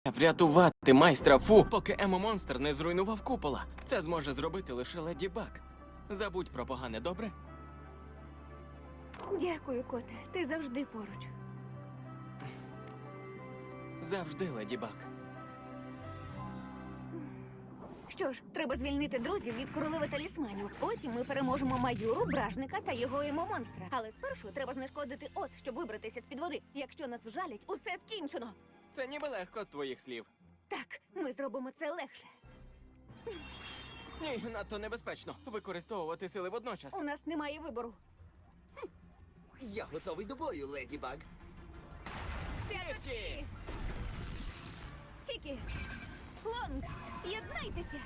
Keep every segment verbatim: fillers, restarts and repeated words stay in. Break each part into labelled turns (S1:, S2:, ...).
S1: Врятувати майстра Фу, поки Емо-монстр не зруйнував купола. Це зможе зробити лише Леді Баг. Забудь про погане, добре?
S2: Дякую, коте. Ти завжди поруч.
S1: Завжди, Леді Баг.
S2: Що ж, треба звільнити друзів від королеви талісманів. Потім ми переможемо Маюру, Бражника та його емо-монстра. Але спершу треба знешкодити ос, щоб вибратися з-під води. Якщо нас вжалять, усе скінчено.
S1: Це ніби легко з твоїх слів.
S2: Так, ми зробимо це легше.
S1: Ні, надто небезпечно використовувати сили водночас.
S2: У нас немає вибору.
S3: Я готовий до бою, Леді Баг.
S2: Цяточки! Тікі! Лонг! Єднайтеся!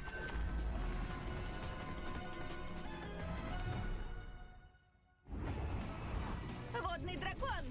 S2: Водний дракон!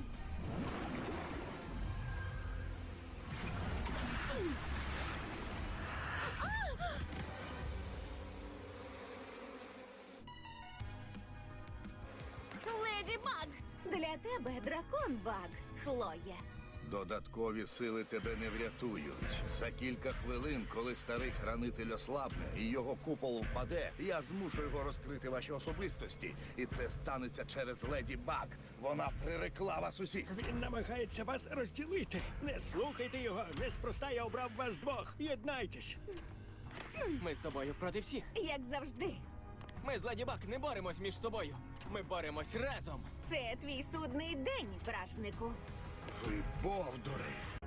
S2: Леді Баг! Для тебе дракон Баг, Хлоє.
S4: Додаткові сили тебе не врятують. За кілька хвилин, коли старий хранитель ослабне і його купол впаде, я змушу його розкрити ваші особистості. І це станеться через Леді Баг. Вона прирекла вас усіх.
S5: Він намагається вас розділити. Не слухайте його. Неспроста я обрав вас двох. Єднайтесь.
S1: Ми з тобою проти всіх.
S2: Як завжди.
S1: Ми з Леді Баг не боремось між собою. Ми боремось разом.
S2: Це твій судний день, бражнику.
S4: Ви бовдури!